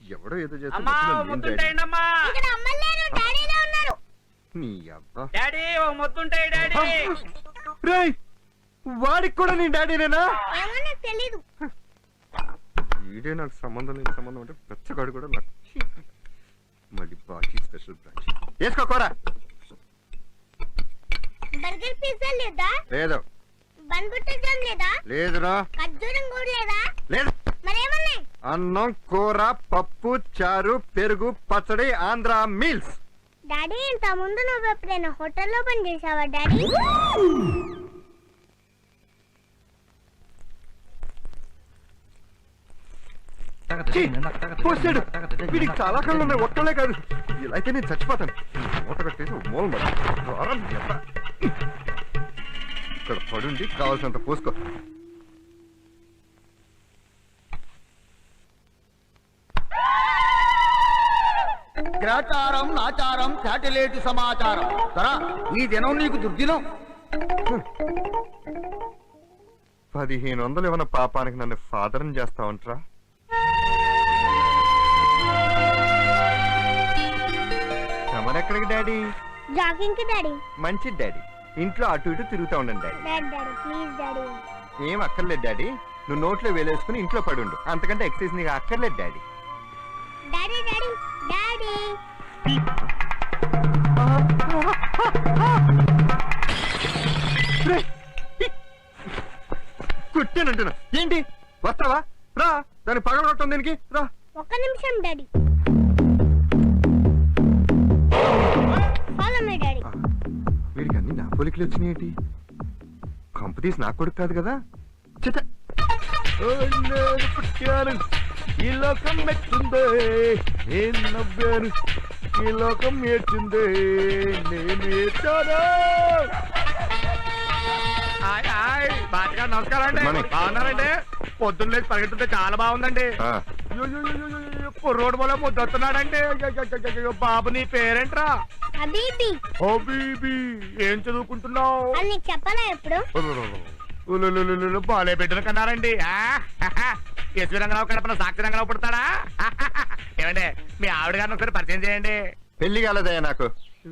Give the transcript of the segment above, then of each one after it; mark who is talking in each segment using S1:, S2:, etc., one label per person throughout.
S1: ఎవడో ఏదో వాడికి కూడా నీ డాడీనేనా? వీడే నాకు సంబంధం లేని సంబంధం అంటే పెచ్చగాడు కూడా నాకు. మళ్ళీ బాకీ స్పెషల్ బ్రాంచ్ వేసుకోకోరా.
S2: బర్గర్ పిజ్జా లేదా?
S1: లేదు.
S2: బన్ బటర్ జామ్ లేదా?
S1: లేదురా.
S2: ఖర్జూరం కూడా లేదా?
S1: లేదు.
S2: మరేమన్నాయి?
S1: అన్నం, కూర, పప్పు, చారు, పెరుగు, పచ్చడి, ఆంధ్ర మీల్స్.
S2: డాడీ ఇంత ముందు నువ్వు ఎప్పుడైనా హోటల్లో పని చేసావా డాడీ?
S1: వీడికి చాలా కళ్ళు ఉన్నాయి, ఒక్కలే కాదు. ఇలా అయితే నేను చచ్చిపోతాను. మూట కట్టేసి మూల ఇక్కడ పడుండి కావాల్సినంత పోసుకో.
S3: గ్రాచారం నాచారం శాటిలైట్ సమాచారం. సరా ఈ దినం నీకు దుర్దినం.
S1: 1500 ఏమన్నా పాపానికి నన్ను ఫాదర్ని చేస్తావంటరా? ఎక్కడికి డాడీ?
S2: జాగింగ్ కి డాడీ.
S1: మంచి డాడీ. ఇంట్లో అటు ఇటు తిరుగుతా ఉండండి డాడీ.
S2: Daddy please daddy.
S1: ఏం అక్కర్లేదు డాడీ, నువ్వు నోట్లో వేలేసుకుని ఇంట్లో పడుండు, అంతకంటే ఎక్సర్సైజ్ నీకు అక్కర్లేదు డాడీ.
S2: డాడీ డాడీ డాడీ
S1: కుట్టానంటున్నా. ఏంటి వస్తావా? రా, దాన్ని పగలగొట్టం దీనికి రా.
S2: ఒక్క నిమిషం డాడీ. Follow me daddy.
S1: వీడికి అన్ని నా పోలికలు వచ్చినాయేంటి? కంపెనీస్ నా కొడుకు కాదు కదా. చిట పుట్టాను, ఈ లోకం మెచ్చిందే, నేను నవ్వాను, ఈ లోకం ఏడ్చిందే, నేను ఏడ్చాను.
S4: నమస్కారం అండి. బాగున్నారండి? పొద్దున్న లేచి పరిగెత్తుంటే చాలా బాగుందండి. రోడ్డు వల్ల ముద్దు వస్తున్నాడండి. బాబు నీ పేరేంట్రా?
S2: హబీబీ.
S4: హబీబీ. ఏం చదువుకుంటున్నావు?
S2: చెప్పనా ఎప్పుడు?
S4: బాలే బిడ్డను కన్నారండి. ఎస్వి రంగరావు కడపన సాక్షి రంగరావు పుడతాడా? ఏమండి మీ ఆవిడ గారిని ఒకసారి పరిచయం చేయండి.
S1: పెళ్లి కాలేదయ్యా నాకు.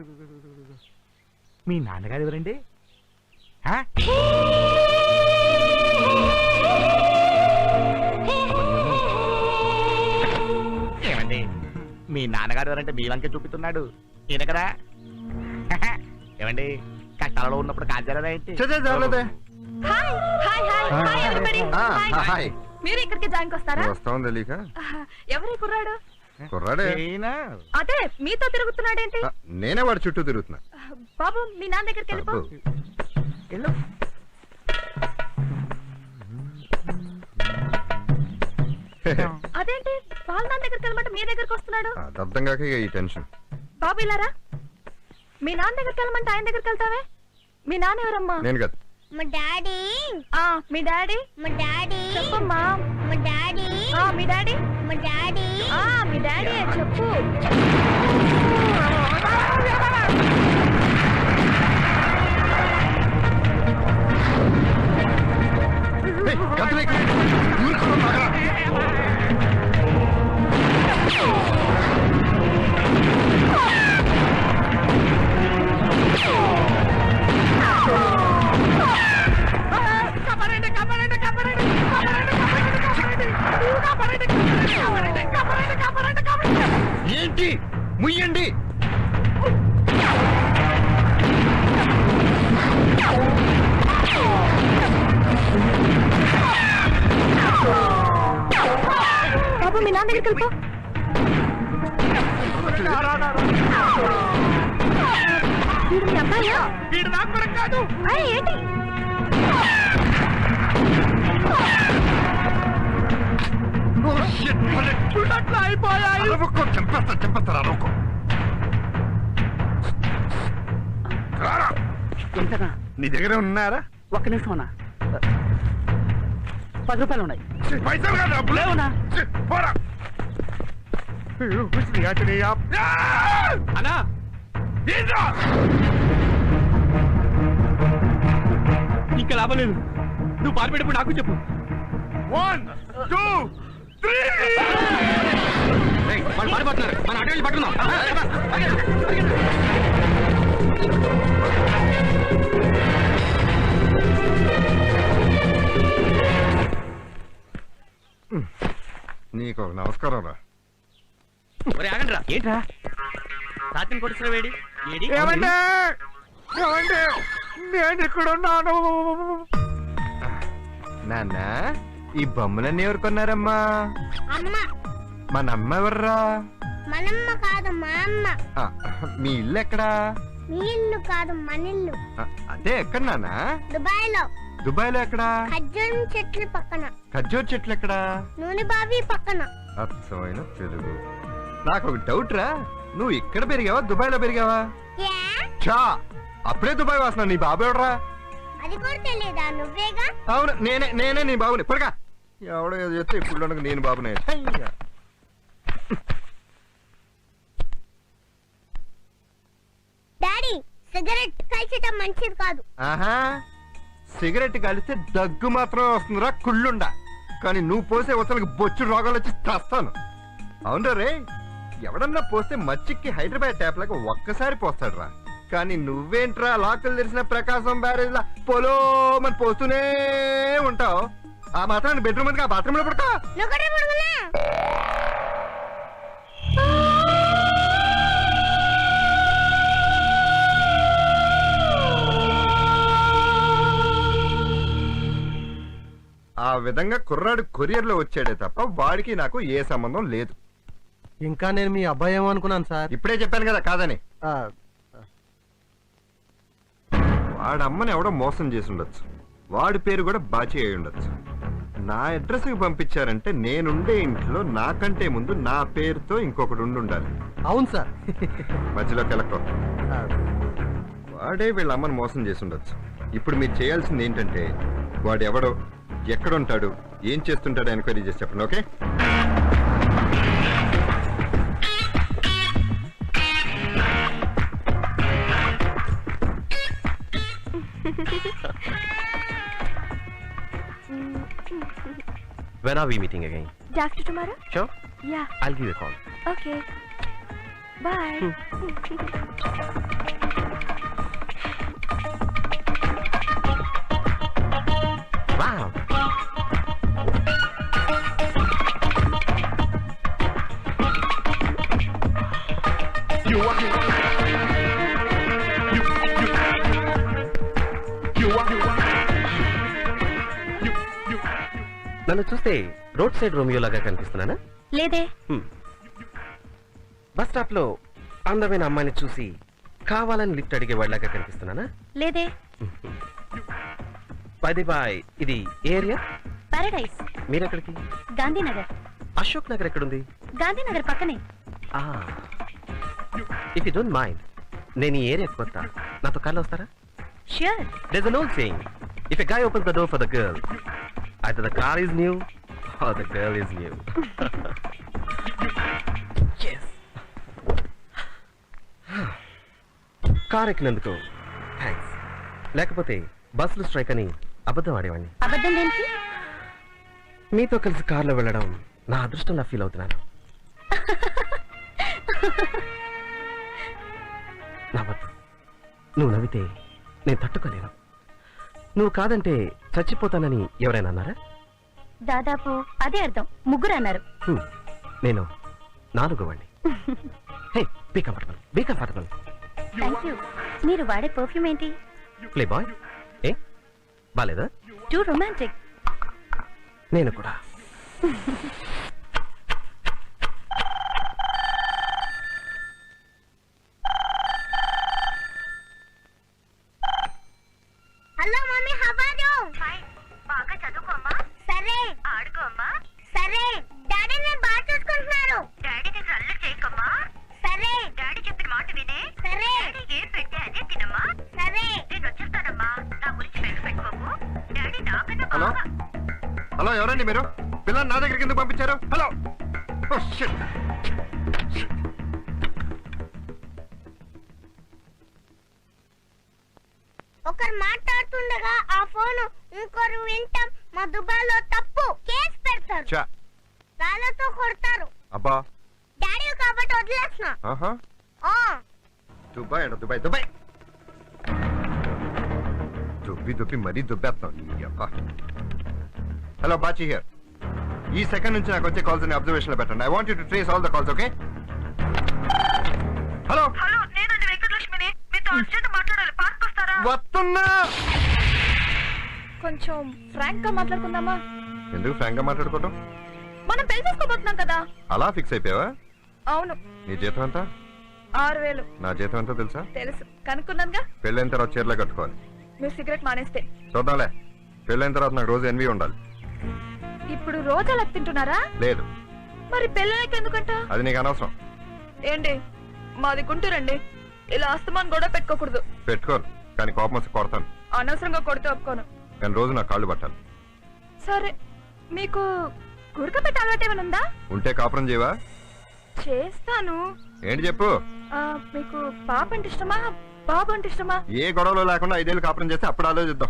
S4: మీ నాన్నగారు ఎవరండి? ఏమండి మీ నాన్నగారు ఎవరంటే మీ వంకే చూపిస్తున్నాడు ఈయన కదా. ఏమండి కష్టాలలో ఉన్నప్పుడు కాల్చారా ఏంటి?
S5: మీరు ఇక్కడికి జాయిన్ వస్తారా?
S1: వస్తాం తెలియక.
S5: ఎవరి కుర్రాడు?
S1: కుర్రాడే.
S5: అదే మీతో తిరుగుతున్నాడేంటి?
S1: నేనే వాడి చుట్టూ తిరుగుతున్నా.
S5: బాబు మీ నాన్న దగ్గరికి వెళ్ళిపో. అదేంటి వాళ్ళ నాన్న దగ్గరికి వెళ్ళమంటే మీ దగ్గరికి వస్తున్నాడు?
S1: అర్థం కాక ఈ టెన్షన్.
S5: బాబు ఇలారా. మీ నాన్న దగ్గరికి వెళ్ళమంటే ఆయన దగ్గరికి వెళ్తావే? మీ నాన్న ఎవరమ్మా?
S1: నేను కదా.
S2: మా డాడీ.
S5: మీ డాడీ.
S2: మా డాడీ
S5: చెప్పమ్మా.
S2: మా డాడీ.
S5: మీ డాడీ.
S2: మా డాడీ.
S5: మీ డాడీ చెప్పు.
S1: ఏంటి ముయ్యండి.
S5: బాబు మీ నాన్న దగ్గరికి వెళ్ళిపో. వీడు మీ అబ్బాయా?
S4: వీడు నాకు కూడా కాదు.
S5: ఏంటి?
S4: అయిపోయాయి.
S1: నీ దగ్గర ఉన్నారా?
S6: ఒక్క నిమిషం అన్నా. 10 రూపాయలు ఉన్నాయి.
S4: పైసలు కాదు
S6: లేవునా?
S4: అన్నా
S6: ఇంకా లాభం లేదు. నువ్వు పారిపెట్టినప్పుడు నాకు చెప్పు.
S4: 1 2 3
S3: పారిపోతున్నారు. మన అటు వెళ్ళి పట్టుకుందాం.
S1: నీకు ఒక నమస్కారం రా.
S6: ఆగండి రా. ఏంట్రా తాతిని కొడుతున్న వేడి ఏడి
S1: ఏమండి ఏమండి నేను ఇక్కడ ఉన్నాను. నాన్న ఈ బొమ్మలన్నీ ఎవరు కొన్నారమ్మా?
S2: అమ్మ.
S1: మన అమ్మ ఎవర్రా?
S2: మనమ్మ కాదు మా అమ్మ.
S1: ఆ, మీ ఇల్లు ఎక్కడా?
S2: మీ ఇల్లు కాదు మన ఇల్లు.
S1: అదే ఎక్కడ నాన్న?
S2: దుబాయ్ లో.
S1: దుబాయ్ లో ఎక్కడా?
S2: ఖర్జూరం చెట్లు పక్కన.
S1: ఖర్జూర్ చెట్లు ఎక్కడా?
S2: నూనె బావి పక్కన.
S1: అచ్చమైన తెలుగు. నాకు ఒక డౌట్ రా, నువ్వు ఇక్కడ పెరిగావా దుబాయ్ లో పెరిగావా?
S2: ఏ?
S1: చా అప్పుడే దుబాయ్ వాసన. నీ బాబు ఎవడరా?
S2: అది కూడా తెలియదా? నువ్వేగా.
S1: అవును నేనే నీ బాబుని. పొరగా ఎవడో ఏదో చెప్తే ఇప్పుడు నేను బాబునే.
S2: డాడీ సిగరెట్ కాల్చటం మంచిది కాదు.
S1: ఆహా, సిగరెట్ కాలిస్తే దగ్గు మాత్రం వస్తుందిరా కుళ్ళుండా. కానీ నువ్వు పోసే వసలకి బొచ్చు రోగాలు వచ్చి తెస్తాను. అవును రే, ఎవడన్నా పోస్తే మచ్చిక్కి హైదరాబాద్ ట్యాప్ లాగా ఒక్కసారి పోస్తాడు రా. కానీ నువ్వేంట్రా లాకులు తెరిసిన ప్రకాశం బ్యారేజ్ లా పొలో మరి పోస్తూనే ఉంటావు. ఆ మాత్రం బెడ్రూమ్ ఉంది, ఆ బాత్రూమ్ లో పడతా.
S2: నువ్వు కూడా పడుకున్నా.
S1: ఆ విధంగా కుర్రాడు కొరియర్ లో వచ్చాడే తప్ప వాడికి నాకు ఏ సంబంధం లేదు.
S7: ఇంకా నేను మీ అబ్బాయి ఏమో అనుకున్నాను సార్.
S1: ఇప్పుడే చెప్పాను కదా కాదని. వాడమ్మని ఎవడో మోసం చేసి ఉండొచ్చు. వాడి పేరు కూడా బాచి అయి ఉండొచ్చు. నా అడ్రస్ కి పంపించారంటే నేనుండే ఇంట్లో నాకంటే ముందు నా పేరుతో ఇంకొకటి ఉండాలి.
S7: అవును సార్.
S1: మధ్యలో కెలక్కో. వాడే వీళ్ళ అమ్మని మోసం చేసి ఉండొచ్చు. ఇప్పుడు మీరు చేయాల్సింది ఏంటంటే వాడు ఎవడో, ఎక్కడుంటాడు, ఏం చేస్తుంటాడో ఎంక్వైరీ చేసి చెప్పండి. Okay?
S6: When are we meeting again?
S5: Day after tomorrow?
S6: Sure.
S5: Yeah.
S6: I'll give you a call.
S5: Okay. Bye.
S6: Wow. నన్ను చూస్తే రోడ్ సైడ్ రోమియో లాగా కనిపిస్తున్నానా?
S5: లేదే.
S6: బస్ స్టాప్ లో అందమైన అమ్మాయిని చూసి కావాలని లిఫ్ట్ అడిగే వాళ్ళగా కనిపిస్తున్నానా?
S5: లేదే.
S6: బాయ్ ఇది ఏరియా?
S5: పారడైజ్.
S6: మీరెక్కడికి?
S5: గాంధీనగర్.
S6: అశోక్ నగర్ ఎక్కడుంది?
S5: గాంధీనగర్ పక్కనే.
S6: ఇఫ్ యూ డోంట్ మైండ్, నేను ఈ ఏరియా కొత్త, నాతో కార్లో వస్తారా?
S5: Sure.
S6: There's an old saying, if a guy opens the door for the girl, either the car is new or the girl is new. Yes. Car ఎక్కినందుకు thanks. లేకపోతే బస్సులు strike అని అబద్ధం ఆడేవాడిని.
S5: అబద్ధం దేనికి?
S6: మీతో కలిసి కార్లో వెళ్ళడం నా అదృష్టంలా ఫీల్ అవుతున్నాను. నవ్వద్దు. నువ్వు నవ్వితే నేను తట్టుకోలేను. నువ్వు కాదంటే చచ్చిపోతానని ఎవరైనా అన్నారా?
S5: దాదాపు అదే అర్థం. ముగ్గురు అన్నారు.
S6: నేను 4వ వాడిని. Hey, be comfortable, be comfortable.
S5: Thank you. మీరు వాడే పర్ఫ్యూమ్ ఏంటి?
S6: Playboy. ఏ బాలేదా?
S5: Too romantic.
S6: నేను కూడా.
S2: Hello mummy, how are you? Fine. బాగా చదువుకోమ్మా. సరే. ఆడుకోమ్మా. సరే. డాడీ నేను బాగా చూసుకుంటున్నారు. డాడీ దగ్గర అల్లరి చేయకమ్మా. సరే. డాడీ చెప్పిన మాట వినే. సరే. డాడీ ఏం పెడితే అదే తినమ్మా. సరే. నేను వచ్చేస్తానమ్మా. నా గురించి పెట్టుకోకు. డాడీ నాకన్నా
S1: హలో
S2: బాగా.
S1: హలో, ఎవరండి మీరు? పిల్లల్ని నా దగ్గరికి ఎందుకు పంపించారు? హలో. Oh, shit.
S2: ఒకరు మాట్లాడుతుండగా ఆ ఫోన్ ఇంకొకరు వింటాం. మా దుబాయ్లో తప్పు. కేసు పెడతారు.
S1: చా
S2: రాళ్ళతో కొడతారు.
S1: అబ్బా,
S2: డాడీ ఒక కాబట్టి వదిలేస్తున్నా
S1: ఆహా
S2: ఆ,
S1: దుబాయ్ అంట దుబాయ్ దుబాయ్ దుబ్బి మరీ దుబ్బేస్తాం. Hello Bachi here. ఈ సెకండ్ నుంచి నాకు వచ్చే కాల్స్ ని అబ్జర్వేషన్ లో పెట్టండి. I want you to trace all the calls. Okay? Hello
S5: hello నేనండి వెంకటలక్ష్మిని మీతో అర్జెంట్ మాట్లాడాలి పార్క్ వస్తారా
S1: వస్తున్నా.
S5: కొంచెం ఫ్రాంక్ గా మాట్లాడుకుందామా?
S1: ఎందుకు ఫ్రాంక్ గా మాట్లాడుకోవటం?
S5: మనం పెళ్లి చేసుకోబోతున్నాం కదా.
S1: అలా ఫిక్స్ అయిపోయావా?
S5: అవును.
S1: నీ జీతం ఎంత?
S5: 6000.
S1: నా జీతం ఎంతో తెలుసా?
S5: తెలుసు, కనుక్కున్నానుగా.
S1: పెళ్ళైన తర్వాత చీరలే కట్టుకోవాలి.
S5: మీరు సిగరెట్ మానేస్తే
S1: చూద్దాంలే. పెళ్ళైన తర్వాత నాకు రోజు ఎన్వి ఉండాలి.
S5: ఇప్పుడు రోజు అలా తింటున్నారా?
S1: లేదు,
S5: మరి పెళ్ళకి ఎందుకంట?
S1: అది నీకు అనవసరం.
S5: ఏంటి మాది గుంటూరండి, ఇలా అస్తమాన్ గొడవ పెట్టుకోకూడదు.
S1: పెట్టుకోను, కానీ కోపం వస్తే కొడతాను.
S5: అనవసరంగా కొడితే ఒప్పుకోను.
S1: కానీ రోజు నా కాళ్ళు పట్టాలి.
S5: సరే, మీకు గురక పెట్టే అలవాటు ఏమైనా ఉందా?
S1: ఉంటే కాపురం చేయవా?
S5: చేస్తాను.
S1: ఏంటి చెప్పు.
S5: మీకు పాప అంటే ఇష్టమా బాబు అంటే ఇష్టమా?
S1: ఏ గొడవలు లేకుండా 5 ఏళ్ళు కాపురం చేస్తే అప్పుడు ఆలోచిద్దాం.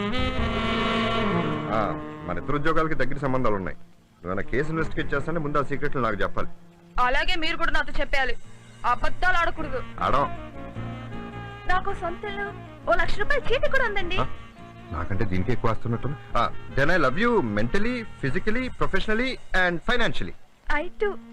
S1: మన ఇద్దరు ఉద్యోగాలకి దగ్గర సంబంధాలు ఉన్నాయి. నువ్వు కేసు ఇన్వెస్టిగేట్ చేస్తానే ముందు ఆ సీక్రెట్లు నాకు చెప్పాలి.
S5: అలాగే మీరు కూడా నాతో చెప్పాలి. అబద్ధాలు ఆడకూడదు.
S1: ఆడం.
S5: నాకు సొంత ఇల్లు, 1 లక్ష రూపాయలు చీటీ కూడా ఉందండి.
S1: నాకంటే దీనికి ఎక్కువ వస్తున్నట్టు. Then I love you mentally, physically, professionally and financially.
S5: I too.